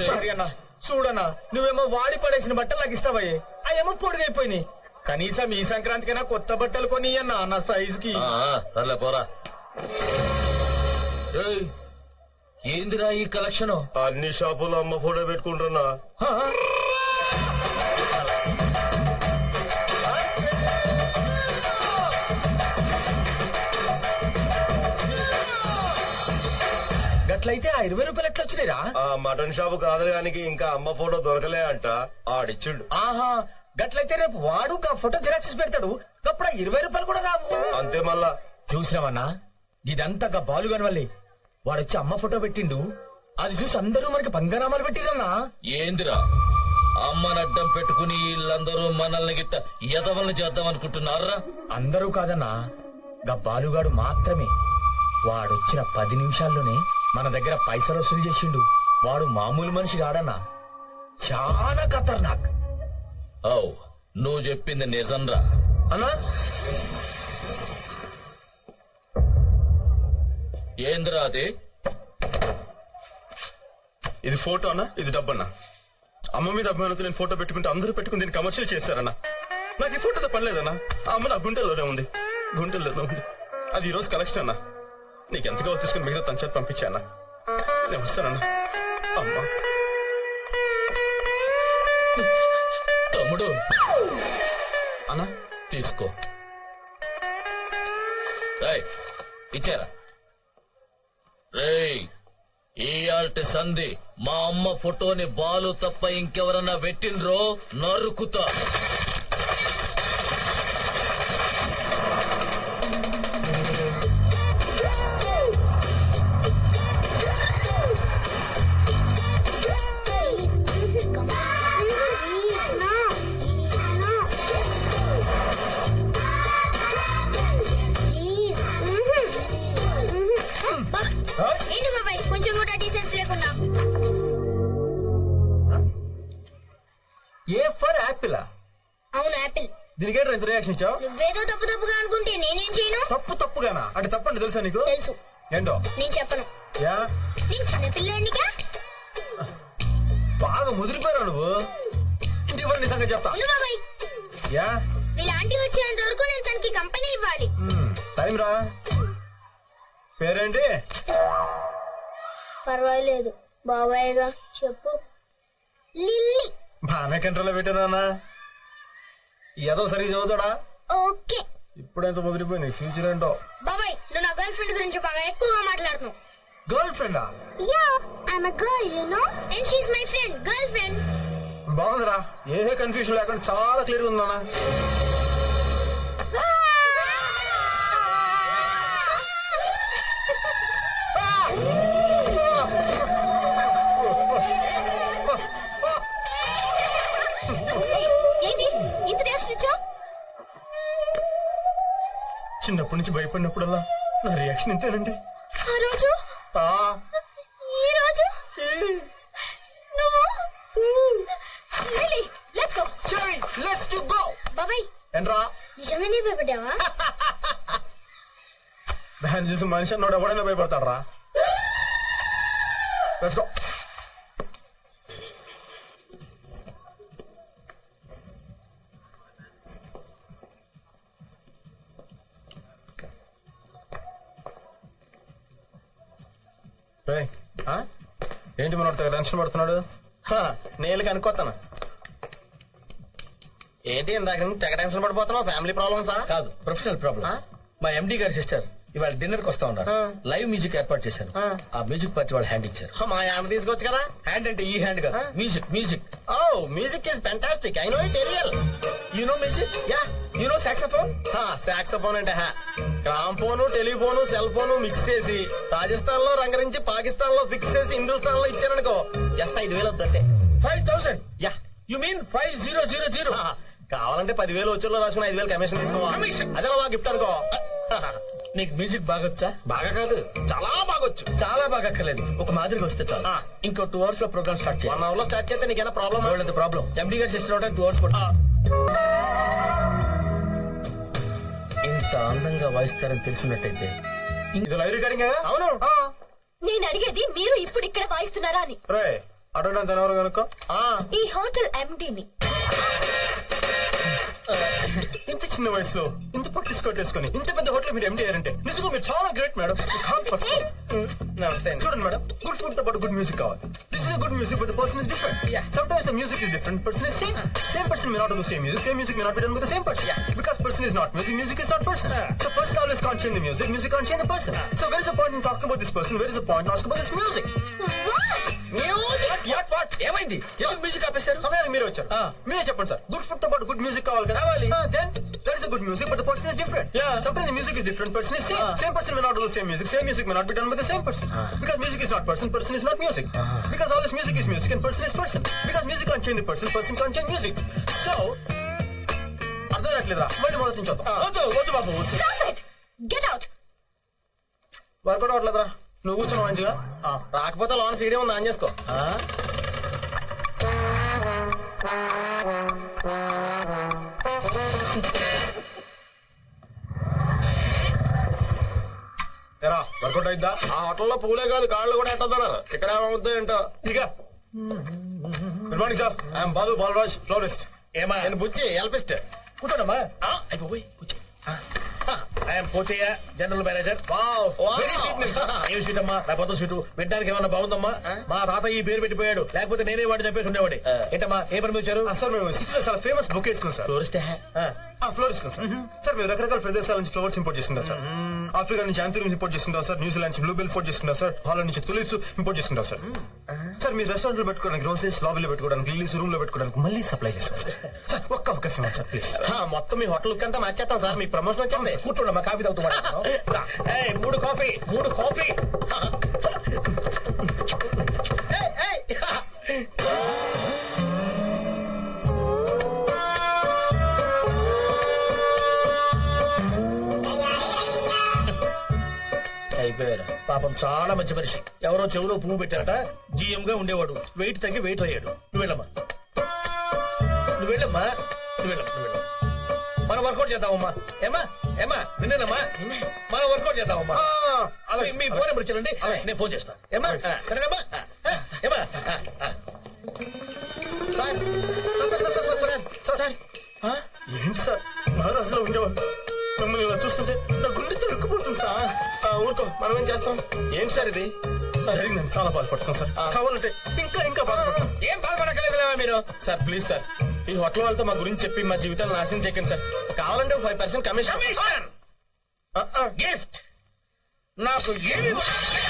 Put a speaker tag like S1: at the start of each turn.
S1: Sorry అన్నా చూడన్నా నువ్వేమో వాడి పడేసిన బట్టలు నాకు ఇస్తావయ్యే అవేమో పొడిగైపోయినాయి. కనీసం ఈ సంక్రాంతికైనా కొత్త బట్టలు కొని అన్నా నా సైజుకి.
S2: సర్లే పోరా. ఏందిరా ఈ కలెక్షన్?
S3: అన్ని షాపులో అమ్మ ఫోటో పెట్టుకుంటున్నా.
S1: గట్లయితే ఆ 20 రూపాయలు ఎట్లా వచ్చినాయిరా?
S3: ఆ మటన్ షాపు కాదు గానికి ఇంకా అమ్మ ఫోటో దొరకలే అంట, ఆడిచ్చిండు.
S1: ఆహా గట్లయితే రేపు వాడు ఆ ఫోటో జిరాక్స్ పెడతాడు, అప్పుడు 20 రూపాయలు కూడా రావు.
S3: అంతే మళ్ళా.
S1: చూసినావన్నా ఇదంతా బాలుగాని వల్లే. వాడొచ్చి అమ్మ ఫోటో పెట్టిండు, అది చూసి అందరూ మనకి పంగనామాలు పెట్టిరన్నా.
S2: ఏందిరా అమ్మని అడ్డం పెట్టుకుని వీళ్ళందరూ మనల్ని గిట్ట ఎదవల్ని చేద్దాం అనుకుంటున్నారా?
S1: అందరూ కాదన్నా, బాలుగాడు మాత్రమే. వాడొచ్చిన 10 నిమిషాల్లోనే మన దగ్గర పైసలు వసూలు చేసిండు. వాడు మామూలు మనిషి కాడన్నా, చాలా ఖతర్నాక్.
S2: అవు నువ్వు చెప్పింది నిజంరా
S1: అన్నా.
S2: ఏందిరా అది?
S3: ఇది ఫోటో అన్నా, ఇది డబ్బన్నా. అమ్మ మీద అభిమానంతో నేను ఫోటో పెట్టుకుంటే అందరూ పెట్టుకుని దీన్ని కమర్షియల్ చేశారన్నా. నాకు ఈ ఫోటోతో పని లేదన్నా. ఆ అమ్మ నా గుండెల్లోనే ఉంది, గుండెల్లోనే ఉంది. అది ఈ రోజు కలెక్షన్ అన్నా. నీకు ఎంత కావాలి తీసుకుని మిగతా తన చేతి పంపించానా? నేను వస్తానన్నా. అమ్మా
S2: తమ్ముడు
S3: అన్నా
S2: తీసుకో. ఇచ్చారా? రేయ్ ఇయాల్టి సంధి మా అమ్మ ఫోటోని బాలు తప్ప ఇంకెవరన్నా పెట్టినరో నరుకుతా.
S4: కొంచెం కూడా డీసెన్స్ లేకుండా.
S1: A for Apple?
S4: అవును యాపిల్.
S1: దీనికి ఎంత రియాక్షన్ ఇచ్చావు?
S4: నువ్వేదో తప్పు తప్పుగా అనుకుంటే నేనేం చేయను.
S1: తప్పుగానా? అంటే తప్పండి తెలుసా నీకు?
S4: తెలుసు.
S1: ఏంటో?
S4: నేను చెప్పను.
S1: యా
S4: నేను చిన్న పిల్లాడినిగా.
S1: బాగా ముదిరిపోయావు నువ్వు. ఇంటికి పని సంగతి చెప్తా.
S4: బాబాయ్
S1: యా
S4: వీళ్ళ ఆంటీ వచ్చేంత వరకు నేను తనకి కంపెనీ ఇవ్వాలి.
S1: టైం రా. పేరేంటి?
S4: పర్వాలేదు బాబాయ్గా చెప్పు. లిల్లీ.
S1: బాగానే కంట్రోల్లో పెట్టానా? ఏదో సరిగ్గా చదువుతాడా?
S4: ఓకే.
S1: ఇప్పుడెంత ముదిరిపోయింది. ఫ్యూచర్ ఏంటో.
S4: బాబాయ్ నువ్వు నా గర్ల్ ఫ్రెండ్ గురించి బాగా ఎక్కువగా మాట్లాడుతున్నావు.
S1: గర్ల్ ఫ్రెండా?
S4: Yeah I'm a girl you know and she is my friend. Girl friend.
S1: బాగుందిరా. ఏ కన్ఫ్యూజన్ లేకుండా చాలా క్లియర్ ఉందా? చిన్నప్పటి నుంచి భయపడినప్పుడల్లా నా రియాక్షన్ ఇంతేనండి.
S4: ఆ రోజు ఈ రోజు నువ్వు బాబాయ్
S1: ఏంట్రా
S4: నిజంగానే భయపడ్డావా?
S1: దాన్ని చూసి మనిషి అన్నోడు ఎవడైనా భయపడతాడు రా. Let's go. ఏంటి మన టెన్షన్ పడుతున్నాడు? నేను కనుక్కోతాను. ఏంటి ఇందాక తెగ టెన్షన్ పడిపోతున్నావు? ఫ్యామిలీ ప్రాబ్లమ్సా?
S5: కాదు, ప్రొఫెషనల్ ప్రాబ్లం. మా ఎండి గారి సిస్టర్ ఇవాళ డిన్నర్ కి వస్తా ఉన్నారు. లైవ్ మ్యూజిక్ ఏర్పాటు చేశాను. ఆ మ్యూజిక్ పార్టీ వాళ్ళు హ్యాండ్ ఇచ్చారు.
S1: మా హ్యాండ్ తీసుకోవచ్చు కదా.
S5: హ్యాండ్ అంటే ఈ హ్యాండ్ కాదు, music. Music.
S1: Oh music is fantastic. I know it very well.
S5: You know music?
S1: Yeah.
S5: You know saxophone?
S1: Saxophone అంటే gramophone telephone cell phone mix చేసి రాజస్థాన్ లో రంగరించి పాకిస్తాన్ లో ఫిక్స్ చేసి హిందుస్థాన్ లో ఇచ్చారనుకో జస్ట్ 5,000 వద్దంటే.
S5: 5,000?
S1: యా.
S5: You mean 5000?
S1: కావాలంటే 10,000 వచ్చేలో రాసుకుని 5,000 కమిషన్ తీసుకోవాలి. అదే గిఫ్ట్ అనుకో.
S5: నీకు మ్యూజిక్ బాగొచ్చా?
S1: బాగా కాదు, చాలా బాగొచ్చు.
S5: చాలా బాగా అక్కర్లేదు, ఒక మాదిరిగా వస్తే చాలు. ఇంకో 2 hours లో ప్రోగ్రామ్ స్టార్ట్ చేయాలి.
S1: 1 hour లో స్టార్ట్ చేస్తే నీకేనా ప్రాబ్లం?
S5: ప్రాబ్లం. ఎండి గారి సిస్టర్ అవడానికి 2 hours పడుతుంది. ఇంత అందంగా వాయిస్తారని తెలిసినట్టయితే
S1: ఇది లైవ్ రికార్డింగ్. అవును.
S4: నేను అడిగేది మీరు ఇప్పుడు ఇక్కడ వాయిస్తున్నారా అని.
S3: అడగడానికి ఎవరు కనుక్కో.
S4: ఈ హోటల్ ఎండీని.
S3: ఇంత చిన్న వయసులో ఇంత పొట్టి స్కర్ట్ వేసుకొని ఇంత పెద్ద హోటల్ మీరు ఎండి అయ్యారంటే నిజంగా మీరు చాలా గ్రేట్ మేడం. నమస్తే. చూడండి మేడం, గుడ్ ఫుడ్ తో పాటు గుడ్ మ్యూజిక్ కావాలి. This is good music but the person is different. Sometimes the music is different, person is same. Same person may not do the same music may not be done with the same person. Because person is not music, music is not person. So person always can't change the music, music can't change the person. So where is the point in talking about this person? Where is the point in asking about this music?
S5: ఏమైంది? ఎందుకు music ఆపేశారు?
S3: సమయానికి మీరే వచ్చారు. మీరే చెప్పండి sir. Good food తో పాటు గుడ్ మ్యూజిక్ కావాలి కదా. Then there is a good music but the person is different. Sometimes the music is different, person is same. Same person may not do the same music may not be done with the same person. Because music is not person, person is not music. Because all this music is music and person is person. Because music can't change the person, person can't change music. So అర్థం కావట్లేదురా, మళ్ళీ మొదటి నుంచి వద్దాం. వద్దు బాబు,
S4: Get out.
S3: Work out అవ్వట్లేదురా. నువ్వు కూర్చున్నావు మంచిగా. రాకపోతే లోన్ సీడీ ఉంది, ఆన్ చేసుకో. వర్కౌట్ అయిద్దా? ఆ హోటల్లో పూలే కాదు కాళ్ళు కూడా ఎట్టన్నారు. ఇక్కడ ఏమవుద్దో ఏంటో. ఇక good morning sir, I'm Balu Balraj, florist.
S5: ఏమా
S3: నేను బుచ్చి ఎల్పిస్ట్.
S5: కూర్చోండమ్మా. I'm Pochaiah, general manager.
S3: Very sweet name sir.
S5: ఏం సీట్ అమ్మా? నా పొద్దు సీటు వినడానికి ఏమన్నా బాగుందమ్మా? మా తాత ఈ పేరు పెట్టిపోయాడు, లేకపోతే నేనే వాడిని చెప్పేసి ఉండేవాడి. ఏంటమ్మా ఏ పని వచ్చారు?
S3: సార్ మేము సిటీలో చాలా ఫేమస్ బుక్ వేసుకున్నాం sir.
S5: Tourist
S3: florist sir. Sir మేము రకరకాల ప్రదేశాల నుంచి ఫ్లవర్స్ ఇంపోర్ట్ చేసుకుంటాం సార్. ఆఫ్రికా నుంచి యాంథూరియం ఇంపోర్ట్ చేసుకుంటాం సార్. న్యూజిలాండ్ నుంచి బ్లూబెల్స్ ఇంపోర్ట్ చేసుకుంటాం సార్. హాలండ్ నుంచి తులిప్స్ ఇంపోర్ట్ చేసుకుంటాం సార్. సార్ మీ రెస్టారెంట్ లో పెట్టుకోవడానికి, గ్రోసరీస్ లాబీలో పెట్టుకోవడానికి, లిల్లీస్ రూమ్ లో పెట్టుకోవడానికి మళ్ళీ సప్లై చేస్తాం సార్. సార్ ఒక్క అవకాశం సార్ ప్లీజ్. మొత్తం మీ హోటల్ లుక్ అంతా మార్చేస్తాం సార్. మీ ప్రమోషన్ వచ్చింది.
S5: కూర్చోండమ్మా, కాఫీ తాగుతూ 3 కాఫీ. అయిపోయారు. పాపం చాలా మంచి మనిషి. ఎవరో చెవులో పువ్వు పెట్టారట, జీఎం గా ఉండేవాడు. వెయిట్ తగ్గి వెయిట్ అయ్యాడు. నువ్వు వెళ్ళమ్మా. మనం వర్కౌట్ చేద్దామమ్మా. ఏమా విన్నానమ్మా, మనం వర్కౌట్ చేద్దామమ్మా. అలాగే మీ ఫోన్ నెంబర్ ఇచ్చారండి, నేను ఫోన్ చేస్తాను. ఏమా సరేనమ్మా. ఏమా
S3: ఏంటి సార్ మహారాజులో ఉండేవాళ్ళు మిమ్మల్ని ఇలా చూస్తుంటే నా గుండె తరుక్కుపోతుంది సార్. ఊరుకో, మనం ఏం చేస్తాం. ఏంటి సార్ ఇది? జరిగిందని చాలా బాధపడుతున్నాం సార్. కావాలంటే ఇంకా బాధపడతాం.
S5: ఏం బాధపడక్కర్లేదు మీరు.
S3: సార్ ప్లీజ్ సార్, ఈ హోటల్ వాళ్ళతో మా గురించి చెప్పి మా జీవితాలు నాశనం చేయకండి సార్. కావాలంటే 5% కమిషన్
S5: గిఫ్ట్ నాకు ఏమి